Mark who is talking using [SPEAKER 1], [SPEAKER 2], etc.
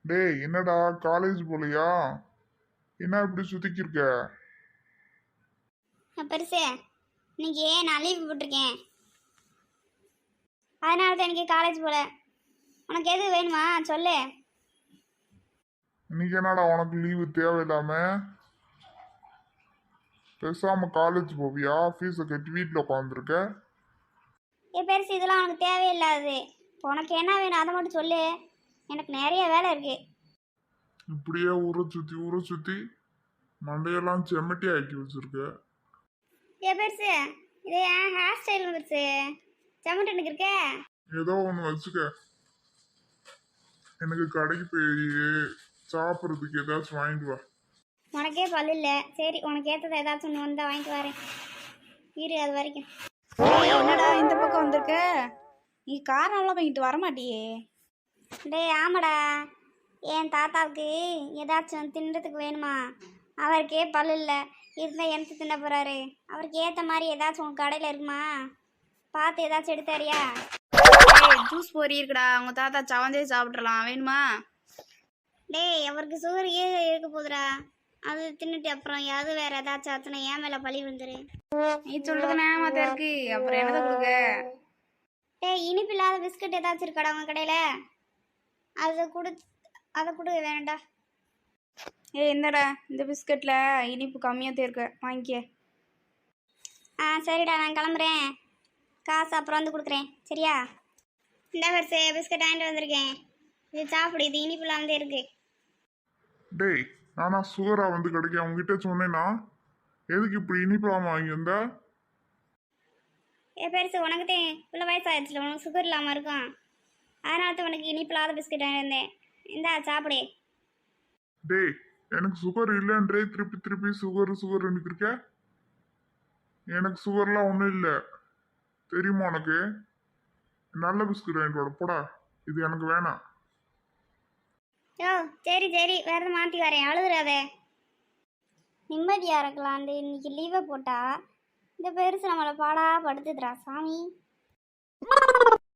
[SPEAKER 1] டேய் என்னடா காலேஜ் போலையா? என்ன இப்படி சுத்திக்கிருக்க?
[SPEAKER 2] பெருசு இன்னைக்கு நான் லீவ் போட்டிருக்கேன். அதனால தான் எனக்கு காலேஜ் போல. உனக்கு எது வேணுமா சொல்லு.
[SPEAKER 1] இன்னைக்கு என்னடா உனக்கு லீவு தேவையில்லாம? பேசாம காலேஜ் போவியா? ஃபீஸை கட்டி வீட்டில் உட்காந்துருக்க.
[SPEAKER 2] பெருசு இதெல்லாம் உனக்கு தேவையில்லாது. உனக்கு என்ன வேணும் அதை மட்டும் சொல்லு. எனக்கு நிறைய வேலை இருக்கு.
[SPEAKER 1] இப்படியே ஊரை சுத்தி மண்டையெல்லாம் செம்மட்டி ஆக்கி வச்சிருக்க.
[SPEAKER 2] பெருசு இது என் ஹேர் ஸ்டைல் பெருசு. செம்மட்டு எனக்கு இருக்கே.
[SPEAKER 1] ஏதோ ஒன்று வச்சுக்க. எனக்கு கடைக்கு போய் சாப்பிட்றதுக்கு ஏதாச்சும் வாங்கிட்டு வா.
[SPEAKER 2] உனக்கே பல்லு இல்லை. சரி உனக்கு ஏற்றதை ஏதாச்சும் ஒன்று வந்தால் வாங்கிட்டு வரேன். இரு அது வரைக்கும்.
[SPEAKER 3] என்னடா இந்த பக்கம் வந்திருக்க? நீ காரணம்லாம் வாங்கிட்டு வரமாட்டியே?
[SPEAKER 2] டேய் ஆமாடா, என் தாத்தாவுக்கு ஏதாச்சும் தின்றதுக்கு வேணுமா? அவருக்கே பல்லு இல்லை. இருந்தால் எனக்கு தின்ன போகிறாரு. அவருக்கு ஏற்ற மாதிரி ஏதாச்சும் உங்கள் கடையில் இருக்குமா? பார்த்து ஏதாச்சும் எடுத்தாரியா?
[SPEAKER 3] ஜூஸ் பொரி இருக்குடா, உங்க தாத்தா சவந்தே சாப்பிட்றலாம், வேணுமா?
[SPEAKER 2] டேய் அவருக்கு சுகர் இருக்க போகுதுடா. அது தின்னுட்டு அப்புறம் அது வேற ஏதாச்சும் ஆச்சுன்னா ஏன் மேலே பழி விழுந்துரு.
[SPEAKER 3] நீ சொல்றது நேமாத்த இருக்கு, அப்புறம் என்னதை கொடுக்க?
[SPEAKER 2] டேய் இனிப்பு இல்லாத பிஸ்கட் ஏதாச்சும் இருக்காடா உங்கள் கடையில்? அதை கொடு வேணாண்டா.
[SPEAKER 3] என்னடா இந்த பிஸ்கட்ல இனிப்பு கம்மியாக தேர்க்க, வாங்கிக்க.
[SPEAKER 2] சரிடா நான் கிளம்புறேன். காசு அப்புறம் வந்து கொடுக்குறேன் சரியா? இந்த வருஷம் பிஸ்கட் வாங்கிட்டு வந்திருக்கேன். இது சாப்பிடு. இது இனிப்புலாம் வந்து இருக்கு.
[SPEAKER 1] டேய் நானா சுகரா வந்து கிடைக்க உங்ககிட்ட சொன்னேன்னா எதுக்கு இப்படி இனிப்பாம வாங்கி வந்த?
[SPEAKER 2] பெருசு உனக்கு தான் இவ்வளோ வயசாகிடுச்சுல, உனக்கு சுகர் இல்லாமல் இருக்கும். அதனால தான் உனக்கு இனிப்பில்லாத பிஸ்கட் வாங்கி வந்தேன். இந்தா சாப்பிடு.
[SPEAKER 1] டேய் எனக்கு சுகர் இல்லைன்றே திருப்பி சுகர் இருக்க. எனக்கு சுகர்லாம் ஒன்றும் இல்லை தெரியுமா உனக்கு? நல்ல பிஸ்கட் வாங்கிட்டு வாட போடா. இது எனக்கு வேணாம்.
[SPEAKER 2] யோ சரி வேற எதுவும் மாற்றி வரேன். அழுதுறாத. நிம்மதியாக இருக்கலான்ட்டு இன்னைக்கு லீவை போட்டா இந்த பெருசு நம்மளை பாடா படுத்துதுடா சாமி.